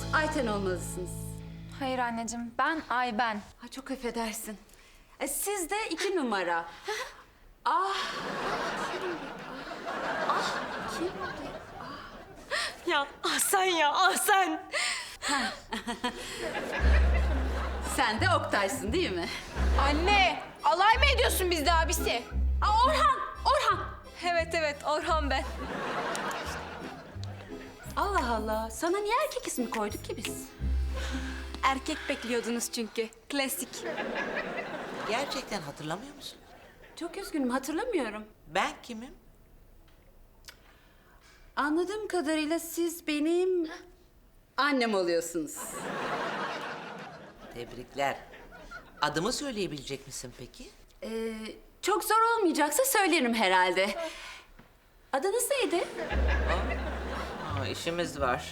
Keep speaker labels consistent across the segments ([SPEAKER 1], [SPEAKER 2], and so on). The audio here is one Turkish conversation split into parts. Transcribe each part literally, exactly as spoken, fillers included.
[SPEAKER 1] Ayten olmalısınız.
[SPEAKER 2] Hayır anneciğim, ben Ayben.
[SPEAKER 1] Ha, çok affedersin. E, siz de iki numara. Ah, kimdi? Ah, kimdi?
[SPEAKER 2] Ya ah sen ya, ah sen.
[SPEAKER 1] Sen de Oktay'sın değil mi?
[SPEAKER 2] Anne, alay mı ediyorsun bizde abisi?
[SPEAKER 1] Aa, Orhan, Orhan.
[SPEAKER 2] Evet evet, Orhan ben.
[SPEAKER 1] Allah Allah, sana niye erkek ismi koyduk ki biz?
[SPEAKER 2] Erkek bekliyordunuz çünkü, klasik.
[SPEAKER 3] Gerçekten hatırlamıyor musun?
[SPEAKER 1] Çok üzgünüm, hatırlamıyorum.
[SPEAKER 3] Ben kimim?
[SPEAKER 1] Anladığım kadarıyla siz benim annem oluyorsunuz.
[SPEAKER 3] Tebrikler. Adımı söyleyebilecek misin peki?
[SPEAKER 1] Ee, çok zor olmayacaksa söylerim herhalde. Adınız neydi?
[SPEAKER 3] Aa, işimiz var.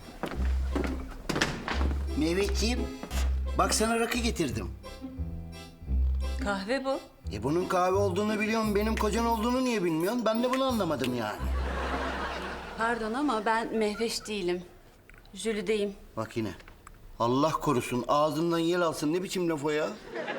[SPEAKER 4] Mehmetciğim, bak sana rakı getirdim.
[SPEAKER 3] Kahve bu.
[SPEAKER 4] E bunun kahve olduğunu biliyorum, benim kocan olduğunu niye bilmiyorsun? Ben de bunu anlamadım yani.
[SPEAKER 1] Pardon ama ben Mehveş değilim. Jülide'yim.
[SPEAKER 4] Bak yine. Allah korusun, ağzından yel alsın. Ne biçim laf o ya?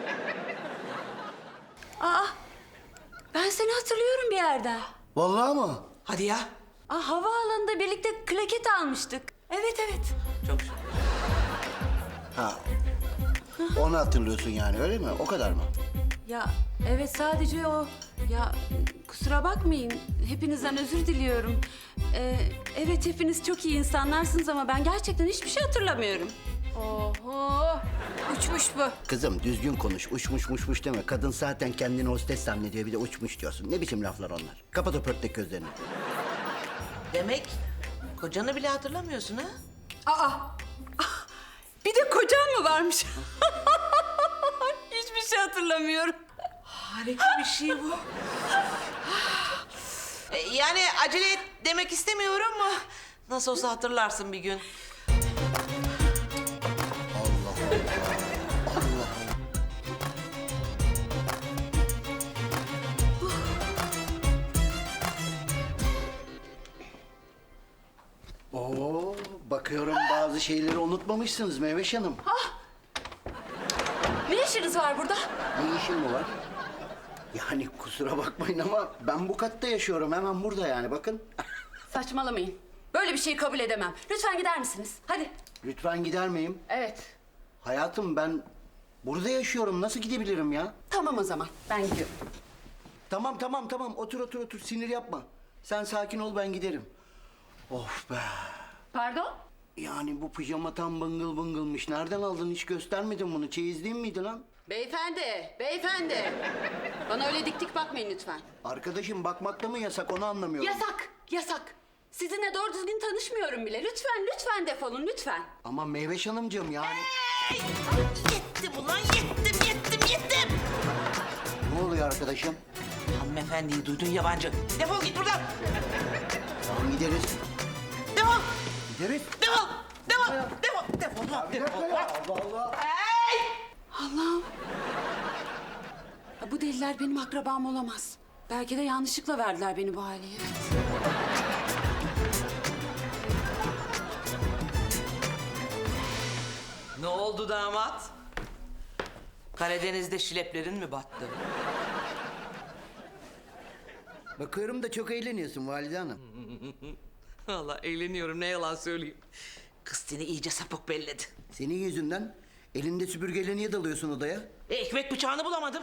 [SPEAKER 1] Aa, ben seni hatırlıyorum bir yerden.
[SPEAKER 4] Vallahi mı?
[SPEAKER 3] Hadi ya.
[SPEAKER 1] Aa, havaalanında birlikte klaket almıştık. Evet, evet.
[SPEAKER 3] Çok şükür.
[SPEAKER 4] Ha. Onu hatırlıyorsun yani, öyle mi? O kadar mı?
[SPEAKER 1] Ya evet, sadece o. Ya kusura bakmayın, hepinizden özür diliyorum. Ee, evet, hepiniz çok iyi insanlarsınız ama ben gerçekten hiçbir şey hatırlamıyorum.
[SPEAKER 2] Oho, uçmuş bu.
[SPEAKER 4] Kızım düzgün konuş, uçmuş muşmuş deme. Kadın zaten kendini hostes zannediyor, bir de uçmuş diyorsun. Ne biçim laflar onlar? Kapat o pörtlek gözlerini.
[SPEAKER 3] Demek kocanı bile hatırlamıyorsun ha?
[SPEAKER 1] Aa, ah, bir de kocam mı varmış? Hiçbir şey hatırlamıyorum.
[SPEAKER 3] Harika bir şey bu. E, yani acele et demek istemiyorum ama nasıl olsa hatırlarsın bir gün.
[SPEAKER 4] Allah Allah. Allah. Oo, bakıyorum bazı şeyleri unutmamışsınız Meyveş Hanım.
[SPEAKER 1] Ne işiniz var burada?
[SPEAKER 4] Ne işin mi var? Yani kusura bakmayın ama ben bu katta yaşıyorum. Hemen burada yani, bakın.
[SPEAKER 1] Saçmalamayın. Böyle bir şeyi kabul edemem. Lütfen gider misiniz? Hadi.
[SPEAKER 4] Lütfen gider miyim?
[SPEAKER 1] Evet.
[SPEAKER 4] Hayatım, ben burada yaşıyorum. Nasıl gidebilirim ya?
[SPEAKER 1] Tamam o zaman. Ben gidiyorum.
[SPEAKER 4] Tamam tamam tamam. Otur otur otur. Sinir yapma. Sen sakin ol, ben giderim. Of be.
[SPEAKER 1] Pardon?
[SPEAKER 4] Yani bu pijama tam bıngıl bıngılmış. Nereden aldın? Hiç göstermedin bunu. Çeyizliğin miydi lan?
[SPEAKER 1] Beyefendi, beyefendi. Bana öyle dik dik bakmayın lütfen.
[SPEAKER 4] Arkadaşım, bakmakta mı yasak, onu anlamıyorum.
[SPEAKER 1] Yasak, yasak. Sizinle doğru düzgün tanışmıyorum bile. Lütfen, lütfen defolun, lütfen.
[SPEAKER 4] Ama Meyveş Hanımcığım yani.
[SPEAKER 3] Yettim ulan yettim yettim yettim.
[SPEAKER 4] Ne oluyor arkadaşım?
[SPEAKER 3] Hanımefendiyi duydun yabancı. Defol git buradan.
[SPEAKER 4] Tamam, gideriz.
[SPEAKER 3] Defol.
[SPEAKER 4] Gideriz.
[SPEAKER 3] Defol. Defol. Defol. Defol. lan,
[SPEAKER 4] Bir dakika
[SPEAKER 3] Defol.
[SPEAKER 4] ya. Allah Allah.
[SPEAKER 1] Allah'ım. Ya bu deliler benim akrabam olamaz. Belki de yanlışlıkla verdiler beni bu aileye. Evet.
[SPEAKER 3] Ne oldu damat? Karadeniz'de şileplerin mi battı?
[SPEAKER 4] Bakıyorum da çok eğleniyorsun Valide Hanım.
[SPEAKER 3] Vallahi eğleniyorum, ne yalan söyleyeyim. Kız seni iyice sapık belledi.
[SPEAKER 4] Senin yüzünden elinde süpürgeyle niye dalıyorsun odaya?
[SPEAKER 3] E, ekmek bıçağını bulamadım.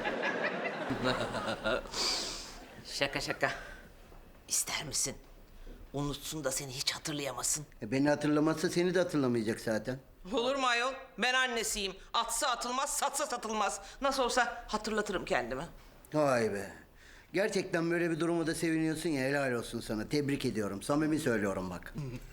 [SPEAKER 3] Şaka şaka. İster misin? Unutsun da seni hiç hatırlayamasın.
[SPEAKER 4] E beni hatırlamazsa seni de hatırlamayacak zaten.
[SPEAKER 3] Olur mu ayol? Ben annesiyim. Atsa atılmaz, satsa satılmaz. Nasıl olsa hatırlatırım kendimi.
[SPEAKER 4] Vay be. Gerçekten böyle bir duruma da seviniyorsun ya, helal olsun sana. Tebrik ediyorum. Samimi söylüyorum bak.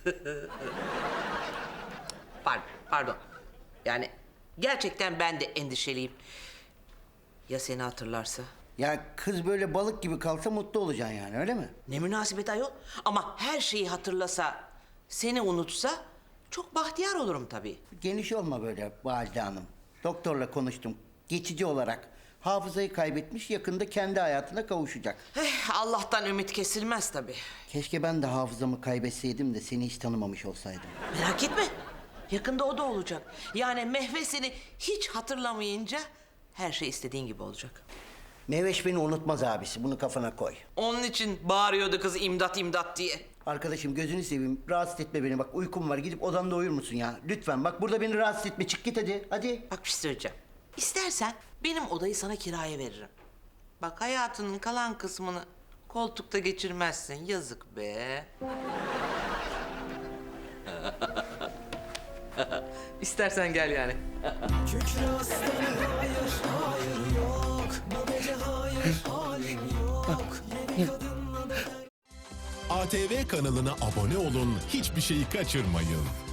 [SPEAKER 3] Pardon, pardon. Yani gerçekten ben de endişeliyim. Ya seni hatırlarsa?
[SPEAKER 4] Ya kız böyle balık gibi kalsa mutlu olacaksın yani, öyle mi?
[SPEAKER 3] Ne münasebet ayol. Ama her şeyi hatırlasa, seni unutsa çok bahtiyar olurum tabii.
[SPEAKER 4] Geniş olma böyle Valide Hanım. Doktorla konuştum. Geçici olarak hafızayı kaybetmiş, yakında kendi hayatına kavuşacak.
[SPEAKER 3] Eh, Allah'tan ümit kesilmez tabii.
[SPEAKER 4] Keşke ben de hafızamı kaybetseydim de seni hiç tanımamış olsaydım.
[SPEAKER 3] Merak etme. Yakında o da olacak. Yani Mehve seni hiç hatırlamayınca her şey istediğin gibi olacak.
[SPEAKER 4] Mehveş beni unutmaz abisi. Bunu kafana koy.
[SPEAKER 3] Onun için bağırıyordu kız imdat imdat diye.
[SPEAKER 4] Arkadaşım gözünü seveyim. Rahatsız etme beni. Bak uykum var. Gidip odamda uyur musun ya? Lütfen. Bak burada beni rahatsız etme. Çık git hadi. Hadi.
[SPEAKER 3] Bak bir şey söyleyeceğim. İstersen benim odayı sana kiraya veririm. Bak hayatının kalan kısmını koltukta geçirmezsin. Yazık be. İstersen gel yani.
[SPEAKER 5] Kükre aslanım hayır, hayır yok. Bu gece hayır, halim yok. Yeni kadınla beden...
[SPEAKER 6] A T V kanalına abone olun, hiçbir şeyi kaçırmayın.